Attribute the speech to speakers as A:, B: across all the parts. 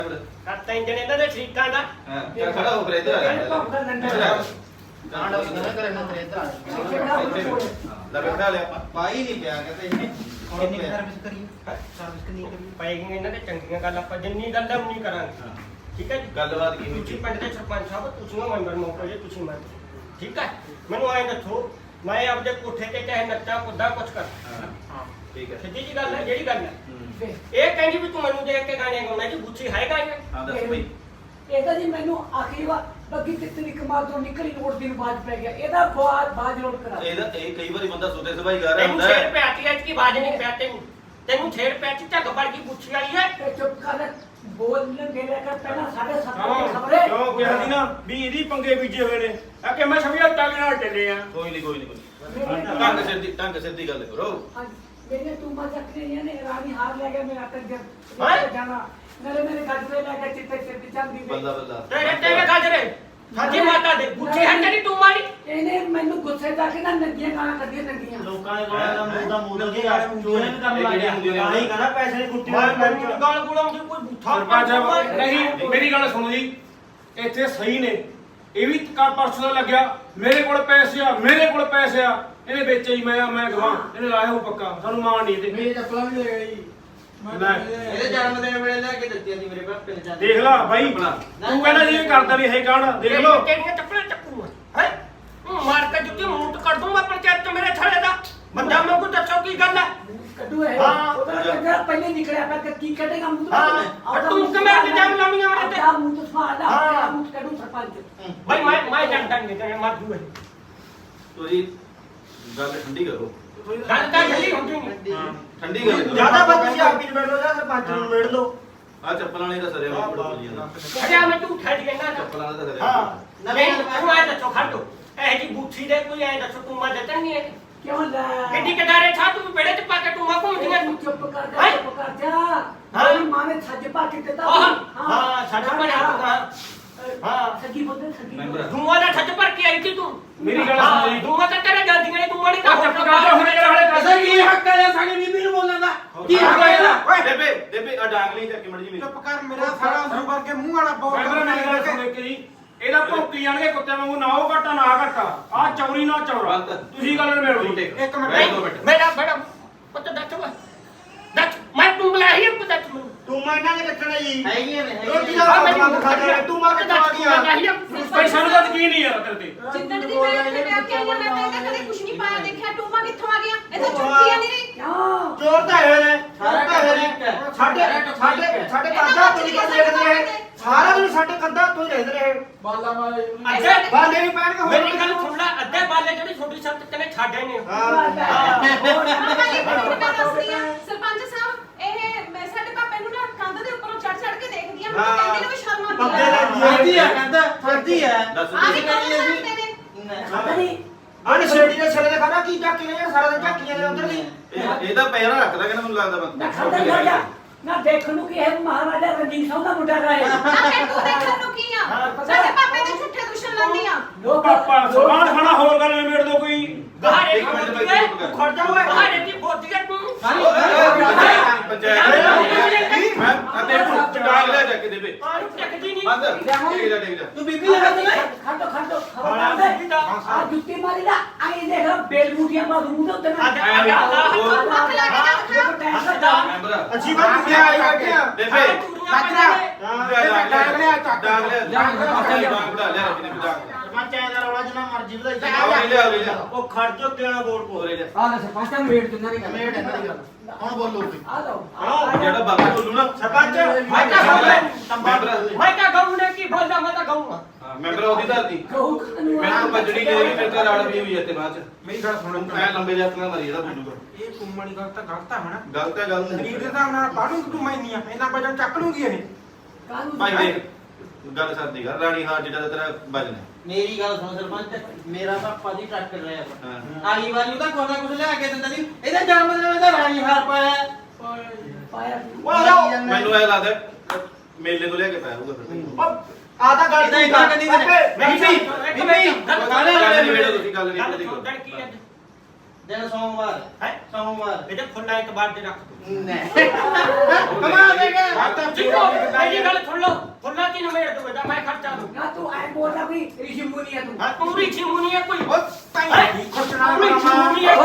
A: ਕਰਤਾ ਇੰਜਣ ਇਹਨਾਂ ਦੇ ਸ਼ਰੀਕਾਂ ਦਾ
B: ਹਾਂ ਚੱਲ ਖੜਾ ਹੋ ਫਿਰ ਇੱਧਰ ਆ ਜਾ
C: ਕਾਂਡ ਹੋ ਗਿਆ ਕਰੇ ਨਾ ਤੇਰੇ ਇੱਧਰ
B: ਲੈ ਬੈਠਾ ਲਿਆ ਪਾਈ ਨਹੀਂ ਪਿਆ ਕਹਿੰਦੇ ਇਹਨੇ
C: ਕਿੰਨੀ ਸਰਵਿਸ ਕਰੀ ਸਰਵਿਸ ਕਿੰਨੀ ਕਰੀ
A: ਪਏਗੀ ਇਹਨਾਂ ਦੇ ਚੰਗੀਆਂ ਗੱਲ ਆਪਾਂ ਜਿੰਨੀ ਗੱਲ ਉਨੀ ਕਰਾਂਗੇ ਠੀਕ ਹੈ ਜੀ
B: ਗੱਲਬਾਤ ਕੀ ਹੋਈ
A: ਤੁਸੀਂ ਪਿੰਡ ਦੇ ਸਰਪੰਚ ਸਾਹਿਬ ਤੁਸੀਂ ਮੈਂਬਰ ਮੌਕੇ ਜੇ ਤੁਸੀਂ ਮੰਨ ਠੀਕ ਹੈ ਮੈਨੂੰ ਐਂ ਦੱਸੋ ਮੈਂ ਆਪਦੇ ਕੋਠੇ ਤੇ ਚਾਹੇ ਨੱਚਾ ਕੁੱਦਾ ਕੁਛ ਕਰ
B: ਹਾਂ ਠੀਕ ਹੈ
A: ਸਿੱਧੀ ਜੀ ਗੱਲ ਹੈ ਜਿਹੜੀ ਗੱਲ ਹੈ ਇਹ ਕਹਿੰਦੀ ਵੀ ਤੂੰ ਮੈਨੂੰ ਦੇਖ ਕੇ ਗਾਣੇ ਗਾਉਣਾ ਜੀ ਗੁੱਛੀ ਹੈ ਗਾਣੇ
B: ਹਾਂ ਦੱਸ ਬਈ
D: ਇਹਦਾ ਜੀ ਮੈਨੂੰ ਆਖਰੀ ਵਾਰ ਬੱਗੀ ਕਿਤਨੀ ਕਮਾਲ ਤੋਂ ਨਿਕਲੀ ਨੋਟ ਦਿਨ ਬਾਅਦ ਪੈ ਗਿਆ ਇਹਦਾ ਬਾਜ ਲੋਡ ਕਰਾ
B: ਇਹਦਾ ਇਹ ਕਈ ਵਾਰੀ ਬੰਦਾ ਸੁਤੇ ਸਭਾਈ ਗਾ ਰਿਹਾ
A: ਤੈਨੂੰ
B: ਹੁੰਦਾ
A: ਛੇੜ ਪਿਆਤੀ ਐ ਕਿ ਬਾਜ ਨਹੀਂ ਪਿਆ ਤੈਨੂੰ ਛੇੜ ਪਿਆਤੀ ਝੱਗ ਵੜ ਗਈ ਗੁੱਛੀ ਵਾਲੀ ਹੈ
D: ਤੇ ਚੁੱਪ ਕਰ ਬੋਲਣ ਦੇ ਲੈ ਕਰ ਪਹਿਲਾਂ 7:30 ਖਬਰੇ
E: ਕਿਉਂ ਕਿਹਾ ਸੀ ਨਾ ਵੀ ਇਹਦੀ ਪੰਗੇ ਬੀਜੇ ਹੋਏ ਨੇ ਆ ਕਿ ਮੈਂ ਸਮਝਿਆ ਟੱਗ ਨਾਲ ਚੱਲੇ ਆ
B: ਕੋਈ ਨਹੀਂ ਢੰਗ ਸਿਰ ਦੀ ਗੱਲ ਕਰੋ
D: ਮੈंने तू मजा नहीं है रानी हार ले गया मेरा तक
A: हाँ?
D: जाना मेरे गजरे ले गए चिट्टे चिट्टे चंदी
B: ਬੱਲਾ ਬੱਲਾ
A: ਤੇਰੇ ਗਾਜਰੇ ਸਾਡੀ ਮਾਤਾ ਦੇ ਗੁੱਛੀ ਹੈ ਤੇਰੀ ਤੂੰ ਮਾਰੀ
D: ਇਹਨੇ ਮੈਨੂੰ ਗੁੱਸੇ ਜਾ ਕੇ ਨਾ ਨੰਗੀਆਂ ਗਾਲਾਂ ਕੱਢੀਆਂ ਨੰਗੀਆਂ
C: ਲੋਕਾਂ ਦੇ ਕੋਲ ਦਾ ਮੂੰਹ ਦਾ ਮੂੰਹ ਦੇ ਯਾਰ ਚੋਰੇ ਵੀ ਕੰਮ ਲੱਗ ਗਿਆ ਆਹੀ ਕਹਿੰਦਾ ਪੈਸੇ ਦੀ ਕੁੱਟੀ
A: ਮੈਂ ਗਾਲ ਗੁਲਾਮ ਦੀ ਕੋਈ ਬੁੱਥਾ
E: ਸਰਪੰਚ ਨਹੀਂ ਮੇਰੀ ਗੱਲ ਸੁਣੋ ਜੀ ਇੱਥੇ ਸਹੀ ਨੇ ਇਹ ਵੀ ਪਰਸੋਂ ਦਾ ਲੱਗਿਆ ਮੇਰੇ ਕੋਲ ਪੈਸੇ ਆ ਇਹਨੇ ਵੇਚੇ ਹੀ ਮੈਂ ਗਵਾਂ ਇਹਨੇ ਲਾਇਆ ਉਹ ਪੱਕਾ ਸਾਨੂੰ ਮਾਣ ਨਹੀਂ ਇਹਦੇ
C: ਮੇਰੇ ਚੱਪਲਾਂ ਵੀ ਲੈ ਗਈ
E: ਲੈ
C: ਇਹਦੇ ਜਨਮ ਦਿਨ ਵੇਲੇ ਲੈ ਕੇ ਦਿੱਤੀਆਂ ਸੀ ਮੇਰੇ ਪਾਪੇ ਨੇ
E: ਦੇਖ ਲਾ ਬਾਈ ਤੂੰ ਕਹਿੰਦਾ ਜੀ ਇਹ ਕਰਦਾ ਨਹੀਂ ਇਹ ਕਾਂਡ ਦੇਖ ਲਓ
A: ਤੇਰੀਆਂ ਚੱਪਲਾਂ ਚੱਕੂਗਾ ਹੈ ਮਾਰ ਕੇ ਜੁੱਤੀ ਮੂੰਹ ਤੇ ਕੱਢ ਦੂੰਗਾ ਪੰਚਾਇਤ ਚ ਮੇਰੇ ਥੜੇ ਦਾ ਬੰਦਾ ਮੈਨੂੰ ਕੋ ਦੱਸੋ ਕੀ ਗੱਲ ਹੈ
D: ਕੱਢੂ ਹੈ
A: ਹਾਂ।
D: ਉਹਦਾ ਕੰਜਰਾ ਪਹਿਲੇ ਨਿਕਲਿਆ ਪਿਆ ਕੀ ਕੱਢੇਗਾ ਮੂੰਹ ਤੋਂ
A: ਹਾਂ ਤੂੰ ਕਿਵੇਂ ਇਲਜ਼ਾਮ ਲਾਉਣੀਆਂ ਮੇਰੇ ਤੇ
D: ਆ ਮੂੰਹ ਤੋਂ ਸਵਾਲ
A: ਹਾਂ।
D: ਆ ਮੂੰਹ ਤੋਂ ਕੱਢੂ ਸਰਪੰਚ
A: ਭਾਈ ਮੈਂ ਜਾਣਦਾ ਨਹੀਂ ਤੇ ਮਰ ਜੂਏ
B: ਤੁਸੀਂ ਗੱਲ ਠੰਡੀ ਕਰੋ
A: ਗੱਲ ਤਾਂ ਜੱਲੀ ਹੁੰਦੀ ਨਹੀਂ
B: ਠੰਡੀ ਗੱਲ ਕਰੋ
C: ਜਿਆਦਾ ਬੱਚੀ ਆਪ ਹੀ ਨਿਬੇੜ ਲੋ ਜਾਂ ਸਰਪੰਚ ਨੂੰ ਨਿਬੇੜ ਲੋ
B: ਆ ਚੱਪਲਾਂ ਵਾਲੇ ਦਾ ਸਰਿਆ ਮੈਂ ਬੜਾ ਬੋਲੀ ਜਾਂਦਾ
A: ਅਰੇ ਮੈਂ ਤੂੰ ਠੱਜ ਕਹਿੰਦਾ
B: ਚੱਪਲਾਂ ਵਾਲਾ ਦਾ ਸਰਿਆ
A: ਹਾਂ ਨਹੀਂ ਤੂੰ ਆਇਆ ਦੱਸੋ ਖੜੋ ਇਹ ਜੀ ਬੁੱਥੀ ਦੇ ਕੋਈ ਐ ਦੱਸੋ ਤੂੰ ਮਾ ਜਤਨ ਨਹੀਂ ਹੈ
D: ਕਿਉਂ ਲੈ
A: ਕਿੱਡੀ ਕਦਾਰੇ ਛਾ ਤੂੰ ਬੇੜੇ ਚ ਪਾ ਕੇ ਤੂੰ ਮਾ ਘੁੰਮਦੀਆਂ
D: ਤੂੰ
A: ਤੂੰ
D: ਚੁੱਪ ਕਰ ਜਾ ਚੁੱਪ ਕਰ ਜਾ ਮੇਰੀ ਮਾਂ ਨੇ ਛੱਜ ਪਾ ਕੇ ਦਿੱਤਾ
A: ਹਾਂ ਛੱਜ ਪਾ ਕੇ ਹਾਂ
D: ਸੱਗੀ ਬੋਲਦੇ ਸੱਗੀ
B: ਮੈਂਬਰ
A: ਧੂਆਂ ਦਾ ਛੱਜ ਭਰ ਕੇ ਆਈ ਸੀ ਤੂੰ
E: ਮੇਰੀ ਗੱਲ ਸੁਣ ਜੀ
A: ਧੂਆਂ ਤਾਂ ਤੇਰੇ ਜਾਂਦੀਆਂ ਨੇ ਤੂੰ ਮਾੜੀ
E: ਚੁੱਪ ਕਰ ਜਾ ਹੁਣ ਜਿਹੜੇ ਵਾਲੇ
C: ਅਸਾਂ ਕੀ ਹੱਕ ਹੈ ਸਾਡੀ ਬੀਬੀ ਨੂੰ ਬੋਲਣ ਦਾ ਕੀ ਹੱਕ ਹੈ ਇਹਦਾ
B: ਬੇਬੇ ਆ ਡਾਂਗ ਲਈ ਚੱਕ ਮੜ ਜੀ ਮੇਰੀ
C: ਚੁੱਪ ਕਰ ਮੇਰਾ ਸਾਰਾ ਮੂੰਹ ਭਰ ਕੇ ਮੂੰਹ ਵਾਲਾ ਬਹੁਤ
E: ਮੈਂਬਰ ਮੇਰੀ ਗੱਲ ਸੁਣ ਇੱਕ ਜੀ ਇਹਦਾ ਭੌਂਕੀ ਜਾਣਗੇ ਕੁੱਤੇ ਵਾਂਗੂ ਨਾ ਉਹ ਘਟਾ ਨਾ ਘਟਾ ਆ ਚੌਰੀ ਨਾ ਚੌਰਾ ਤੁਸੀਂ ਗੱਲ ਨਿਬੇੜੋ ਜੀ
C: ਇੱਕ ਮਿੰਟ
B: ਬੈਠ 2 ਮਿੰਟ
A: ਮੇਰਾ ਬੜਾ ਪੁੱਤ ਦੱਸ ਵਾ ਦੱਸ ਮੈਂ ਤੂੰ ਬੁਲਾਈ ਹੈ ਪੁੱਤ ਮੈਨੂੰ
E: ਤੂੰ ਮੈਂ ਇਹਨਾਂ ਦੇ ਰੱਖਣਾ ਜੀ
C: ਹੈਗੀਆਂ ਨੇ
E: ਰੋਟੀ
C: ਹੈਗੀਆਂ
E: ਦਾ
A: ਮੈਨੂੰ
E: ਬੰਦ ਖਾ ਕੇ ਤੂੰ ਮਾਰ ਕੇ
A: ਦੱਸ
E: ਚਲਾ ਗਿਆ
A: ਨਹੀਂ ਹੈ
E: ਭਾਈ ਸਾਨੂੰ ਤਾਂ ਯਕੀਨ ਨਹੀਂ ਯਾਰ ਤੇਰੇ ਤੇ
F: ਜਿੱਦਣ ਦੀ ਮੈਂ ਇੱਥੇ ਵਿਆਹ ਕੇ ਆਈ ਹਾਂ ਮੈਂ ਤਾਂ ਕਦੇ ਕੁਝ ਨਹੀਂ ਪਾਇਆ ਦੇਖਿਆ ਟੂਮਾ ਕਿੱਥੋਂ ਆ ਗਿਆ ਇਹ ਤਾਂ ਝੂਠੀਆਂ ਨਹੀਂ ਰਹੀ
D: ਕਿਉਂ
E: ਚੋਰ ਤਾਂ ਹੋਏ ਨੇ
C: ਸਾਰਾ
E: ਹੋਏ ਨੇ ਸਾਡੇ ਕੰਦਾ ਤੁਸੀਂ ਕਰ ਦੇਖਦੇ ਰਹੇ ਸਾਰਾ ਦਿਨ ਸਾਡੇ ਕੰਦਾ ਤੁਸੀਂ ਰਹਿੰਦੇ ਰਹੇ
C: ਬਾਲਾ ਮਾਰੇ
A: ਅੱਧੇ
E: ਬਾਲੇ ਵੀ ਪੈਣ ਕੇ
A: ਮੇਰੀ ਗੱਲ ਸੁਣ ਲੈ ਅੱਧੇ ਬਾਲੇ ਜਿਹੜੀ ਛੋਟੀ ਸੰਤ ਕਨੇ ਛਾੜੇ ਨੇ
F: ਸਰਪੰਚ ਸਾਹਿਬ ਇਹ ਮੈਂ ਸਾਡੇ ਪਾਪੇ ਨੂੰ ਨਾ ਕੰਧ ਦੇ ਉੱਪਰੋਂ ਚੜ ਚੜ ਕੇ ਦੇਖਦੀ ਆ ਮੈਨੂੰ ਕਹਿੰਦੇ ਨੇ ਵੀ ਸ਼ਰਮ ਆਉਂਦੀ ਆ
C: ਫਰਦੀ ਹੈ ਕਹਿੰਦਾ ਫਰਦੀ ਹੈ
B: ਦੱਸ
F: ਆ ਵੀ
B: ਤੁਸੀਂ
F: ਕੌਣ ਸਕਦੇ ਨੇ
D: ਪਤਾ ਨਹੀਂ
E: ਆਹ ਛੇੜੀ ਦੇ ਛੜੇ ਦੇ ਖਾਣਾ ਕੀ ਚੱਕੀ ਨੇ ਸਾਰਾ ਦਿਨ ਝਾਕੀਆਂ ਦੇ ਉਧਰ ਦੀ
B: ਇਹਦਾ ਪੈਰਾ ਰੱਖਦਾ ਕਿ ਮੈਨੂੰ ਲੱਗਦਾ
D: ਨਾ
B: ਬੰਦਾ
D: ਖਾਂਦਾ ਖਾ ਜਾ ਨਾ ਦੇਖਣ ਨੂੰ ਕਿ ਇਹ ਮਹਾਰਾਜਾ ਰਣਜੀਤ ਸਿੰਘ ਦਾ ਮੁੰਡਾ ਰਹੇ
F: ਨਾ ਫਿਰ ਤੂੰ ਦੇਖਣ ਨੂੰ ਕੀ ਆ ਸਾਡੇ ਪਾਪੇ ਦੇ ਝੂਠੇ ਦੁਸ਼ਮਣ ਲਾਉਂਦੀ ਆ
D: ਲੋਕ
E: ਪਾਪਾ ਸਮਾਨ ਖਾਣਾ ਹੋਰ ਗੱਲ ਨਿਬੇੜ ਦੋ ਕੋਈ
A: ਬਾਹਰ
B: ਇੱਕ ਮਿੰਟ ਬਾਈ ਚੁੱਪ ਕਰ।
A: ਖੜ ਜਾ ਓਏ ਬਾਹਰ ਦੀ ਬੋਤੀ ਹੈ ਤੂੰ
B: ਪੰਚਾਇਤ ਮੈਂ ਅਤੇ ਡਾਂਗ ਲੈ ਜਾ ਕੇ ਦੇਵੇ
A: ਪਾਣੀ ਟੱਕਦੀ ਨਹੀਂ
B: ਬੰਦ ਟੇਕ ਜਾ
C: ਤੂੰ ਬੀਬੀ ਲਗਾ ਦੇ
D: ਖੰਡੋ ਖਬਰਦਾਰ ਦੇ ਆ ਜੁੱਤੀ ਮਾਰੀ ਦਾ ਆਈ ਦੇਖ ਬੇਲ ਮੁੰਡੀਆਂ ਮਾਰੂ ਮੂੰਹ ਦੇ ਉੱਤੇ ਨਾ
F: ਹੱਥ ਲਾ ਕੇ ਦਿਖਾ
B: ਮੈਂਬਰ
E: ਅੱਛੀ ਬਾਤ ਤੂੰ ਆਈ ਬੈਠੇ ਆ
B: ਬੇਬੇ
A: ਡਾਂਗ
B: ਡਾਂਗ ਲਿਆ ਡਾਂਗ ਬੜਾ ਲਿਆ ਰੱਖੀ ਨੇ ਡਾਂਗ
C: ਸਰਪੰਚ ਐ ਦਾ ਰੌਲਾ ਜਿੰਨਾ ਮਰਜ਼ੀ ਵਧਾਈ
B: ਲਿਆ
E: ਉਹ ਖੜ ਜੋ ਕਿਹੜਾ ਬੋਲ ਪੋ
B: ਹੋਰੇ ਜਾ
D: ਆ ਲੈ ਸਰਪੰਚ ਨੂੰ ਵੇਟ ਦਿੰਦਾ ਨਹੀਂ
C: ਮੇੜ ਇਹਨਾਂ ਦੀ ਗੱਲ ਹੁਣ ਬੋਲੋ ਤੁਸੀਂ
D: ਆ ਲਓ
B: ਜਿਹੜਾ ਬਾਬਾ ਬੋਲੂ ਨਾ
E: ਸਰਪੰਚ
A: ਮੈਂ ਤਾਂ
B: ਮੈਂਬਰ
A: ਮੈਂ ਤਾਂ ਗਾਉਂ ਨੇ ਕੀ ਬੋਲਦਾ ਮੈਂ ਤਾਂ ਗਾਉਂਗਾ
B: ਮੈਂਬਰ ਉਹਦੀ ਧਰਤੀ
D: ਕਹੂ ਕਾਨੂੰ
B: ਮੈਨੂੰ ਭੱਜਣੀ ਲੈ ਗਈ ਮੇਰੇ ਤਾਂ ਰਾੜ ਵੀ ਹੋਈ ਇੱਥੇ ਬਾਅਦ ਚ
E: ਮੇਰੀ ਗੱਲ ਸੁਣੋ
B: ਮੈਂ ਲੰਬੇ ਜੱਤ ਨਾਲ ਮਰੀ ਜਿਹੜਾ ਬੋਲੂਗਾ
E: ਇਹ ਕੁੰਮਣੀ ਗੱਲ ਤਾਂ ਗਲਤ ਹੈ ਹਨਾ
B: ਗਲਤ ਹੈ ਗੱਲ
E: ਸਰੀਰ ਦੇ ਹਿਸਾਬ ਨਾਲ ਬਾਹਰੋਂ ਤੂੰ ਮੈਨੀ ਆ ਇਹਨਾਂ ਵਜਨ ਚੱਕ ਲੂਗੀ ਇਹ
D: ਕਾਨੂੰ
B: ਭਾਈ ਦੇਖ ਗੱਲ ਸਰਦੀ ਕਰ ਰਾਣੀ ਹਾਰ ਜਿਹੜਾ ਤੇਰਾ ਵਜਨ ਹੈ
C: ਮੇਰੀ ਗੱਲ ਸੁਣ ਸਰਪੰਚ ਮੇਰਾ ਪਾਪਾ ਦੀ ਟਰੱਕ ਰਿਹਾ
B: ਹਾਂ।
C: ਆਈ ਵਾਰੀ ਤਾਂ ਕੋਈ ਨਾ ਕੁਝ ਲਿਆ ਕੇ ਦਿੰਦਾ ਨਹੀਂ ਇਹਦਾ ਜਨਮ ਦਿਨ ਇਹਦਾ ਰਾਣੀ ਹਾਰ ਪਾਇਆ
D: ਪਾਇਆ
B: ਮੈਨੂੰ ਇਹ ਲੱਗਦਾ ਮੇਲੇ ਤੋਂ ਲੈ ਕੇ ਪਾਇਆ ਹੋਊਗਾ ਫਿਰ
E: ਆਦਾ ਗੱਲ
C: ਇਹਦਾ ਇੰਨਾ ਕਦੀ ਵੀ ਨਹੀਂ।
E: ਬੀਬੀ
A: ਗੱਲ
B: ਗੱਲ ਨਹੀਂ ਵੇੜੋ ਤੁਸੀਂ ਗੱਲ ਨਹੀਂ
A: ਗੱਲ
B: ਕਰਦੀ
A: ਸੁਣਨ ਕੀ ਹੈ
C: ਦਿਨ ਸੋਮਵਾਰ
A: ਹੈ
C: ਸੋਮਵਾਰ
A: ਇਹਦੇ ਫੁੱਲਾਂ ਇਤਬਾਰ ਦੇ ਰੱਖ ਤੂੰ
B: ਕਮਾ ਦੇਗਾ
A: ਜਿੱਕੋ ਮੇਰੀ ਗੱਲ ਸੁਣ ਲਓ ਫੁੱਲਾਂ ਦੀ ਨਵੇੜ ਦੂਗਾ ਤਾਂ ਮੈਂ ਖਰਚਾ ਦੂੰ
D: ਨਾ ਤੂੰ ਐ ਬੋਲਦਾ ਵੀ ਰਿਸ਼ੀ ਮੁਨੀ ਹੈ ਤੂੰ
A: ਹਾਂ ਪੂਰੀ ਛਿਮੂਨੀ ਹੈ ਕੋਈ
B: ਖੁਸ਼ਨਾ
A: ਪੂਰੀ ਛਿਮੂਨੀ ਹੈ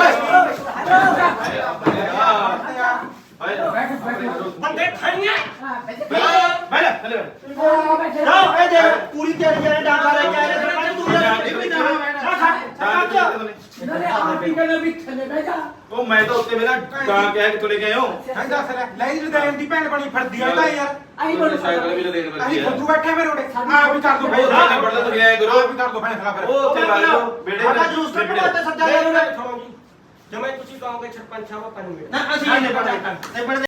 A: ਬੰਦੇ ਖਾਈਆਂ
B: ਬੈਠ ਹਲੇ
C: ਜਾਓ ਇਹ ਦੇ ਪੂਰੀ ਤੇਰੀ ਜਿਹੜੇ ਡਾਂਗਾ ਲੈ ਕੇ ਆਏ ਨੇ ਸਰਪੰਚ ਤੂੰ
D: ਨਾਲੇ ਆਰਟੀ ਕਹਿੰਦੇ ਵੀ ਥੱਲੇ ਬਹਿ ਜਾ
B: ਉਹ ਮੈਂ ਤਾਂ ਉੱਤੇ ਮੇਰਾ ਗਾਂ ਕਹਿ ਕੇ ਤੁਲੇ ਗਏ ਹੋ
G: ਹਾਂ ਦੱਸ ਲੈ ਜੀ ਲੈਣ ਦੀ ਭੈਣ ਬਣੀ ਫਿਰਦੀ ਆ ਤਾਂ ਯਾਰ
D: ਆਈ ਬੋਲ
B: ਸਾਈਕਲ ਵੀ ਲੈਣ
G: ਅਸੀਂ
B: ਵਰਗੀ
G: ਫੁੱਦੂ ਬੈਠੇ ਮੇਰੇ ਉਡੇ ਆ ਵੀ ਕਰ ਦੋ
B: ਉਹ ਉੱਥੇ ਬੜਦਾ ਤੁਰ ਗਿਆ ਗੁਰੂ
G: ਆ ਵੀ ਕਰ ਦੋ ਫੈਸਲਾ ਫਿਰ
B: ਉਹ ਉੱਥੇ ਲਾ ਲਓ ਬੇੜੇ
C: ਸਾਡਾ ਜਲੂਸ ਕੱਢਣਾ ਤੇ ਸੱਜਾ ਲੈ
A: ਸੁਣੋ ਜੀ ਜਿਵੇਂ ਤੁਸੀਂ ਕਹੋਗੇ ਸਰਪੰਚ ਸਾਹਿਬ ਆਪਾਂ ਨੂੰ ਮਿਲੋ
C: ਨਾ ਅਸੀਂ ਨਹੀਂ ਪੜਦੇ